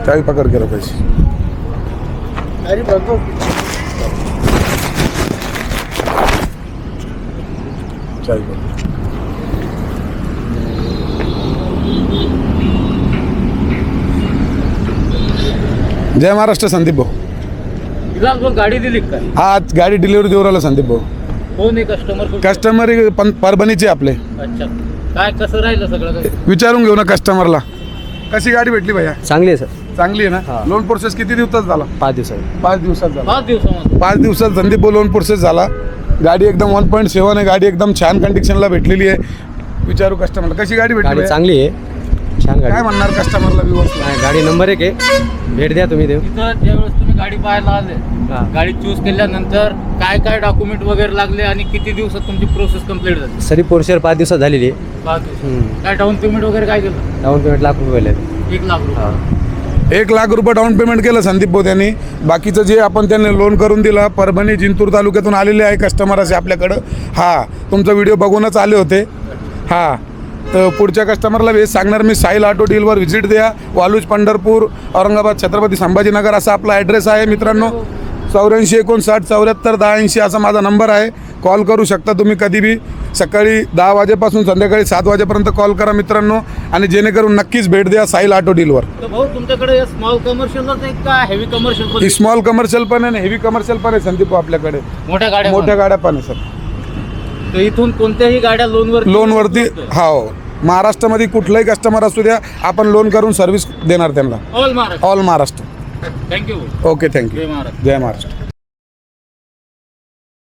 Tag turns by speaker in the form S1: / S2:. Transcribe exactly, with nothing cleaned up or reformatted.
S1: चावी पकड केलं पैसे
S2: अरे बघतो
S1: चावी पकड. जय महाराष्ट्र संदीप भाऊ.
S2: तिला गाडी दिली काय?
S1: आज गाडी डिलिव्हरी देऊ राहिला संदीप भाऊ.
S2: कोण आहे कस्टमर?
S1: कस्टमर परभणीचे आपले.
S2: अच्छा, काय कसं राहिलं सगळं?
S1: विचारून घेऊ ना कस्टमरला. कशी गाडी भेटली भैया?
S3: चांगली आहे सर.
S1: चांगली आहे ना. लोन प्रोसेस किती दिवसात झाला?
S3: पाच दिवसात.
S1: पाच दिवसात झाला.
S2: पाच दिवसामध्ये
S1: पाच दिवसात संदीप भाऊ लोन प्रोसेस झाला. गाडी एकदम वन पॉईंट सेवन आहे. गाडी एकदम छान कंडिशनला भेटलेली आहे. विचारू कस्टमरला कशी गाडी भेटली
S3: गाडी
S1: भैया?
S3: चांगली आहे, छान गाडी.
S1: काय म्हणणार कस्टमरला व्ह्यूअर्स?
S3: नाही, गाडी नंबर एक आहे. भेट द्या तुम्ही देऊ.
S2: तिथं ज्यावेळेस तुम्ही गाडी पाहायला आले,
S3: हां.
S2: गाडी चूज केल्यानंतर काय काय डॉक्युमेंट वगैरे लागले आणि किती दिवसात तुमची प्रोसेस कम्प्लीट झाली?
S3: सरी पोर्शर पाच दिवसात झालेली आहे.
S2: पाच दिवस.
S3: हम्म.
S2: काय डाऊन पेमेंट वगैरे काय केलं?
S3: डाऊन पेमेंट लाख रुपये आहे.
S2: एक लाख रुपये.
S3: हां.
S1: एक लाख रुपये डाऊन पेमेंट केलं संदीप भाऊ त्यांनी. बाकीचं जे आपण त्यांनी लोन करून दिलं, परभणी जिंतूर तालुक्यातून आलेले आहे कस्टमर असे आपल्याकडं. हा, तुमचा व्हिडिओ बघूनच आले होते. हा, तर पुढच्या कस्टमरला वेळ सांगणार मी. साहिल ऑटो डीलवर व्हिजिट द्या. वालूज, पंढरपूर, औरंगाबाद, छत्रपती संभाजीनगर असा आपला ॲड्रेस आहे मित्रांनो. चौऱ्याऐंशी एकोणसाठ चौऱ्याहत्तर दहा ऐंशी असा माझा नंबर आहे. कॉल करू शकता तुम्ही कधी बी. सकाळी दहा वाजेपासून संध्याकाळी सात वाजेपर्यंत कॉल करा मित्रांनो. आणि जेणेकरून नक्कीच भेट द्या साहिल ऑटो डीलवर.
S2: तर भाऊ तुमच्याकडे स्मॉल कमर्शियलच आहे का हेवी कमर्शियल पण?
S1: स्मॉल कमर्शियल पण आहे आणि हेवी कमर्शियल पण आहे संदीप भाऊ आपल्याकडे.
S2: मोठ्या गाड्या
S1: मोठ्या गाड्या पण आहे सर.
S2: तर इथून कोणत्याही गाड्या लोनवर
S1: लोनवरती. हो, महाराष्ट्रामध्ये कुठलाही कस्टमर असू द्या, आपण लोन करून सर्व्हिस देणार त्यांना.
S2: All Maharashtra.
S1: All Maharashtra.
S2: Thank you.
S1: Okay, thank you.
S2: Jai Maharashtra.
S1: Jai Maharashtra.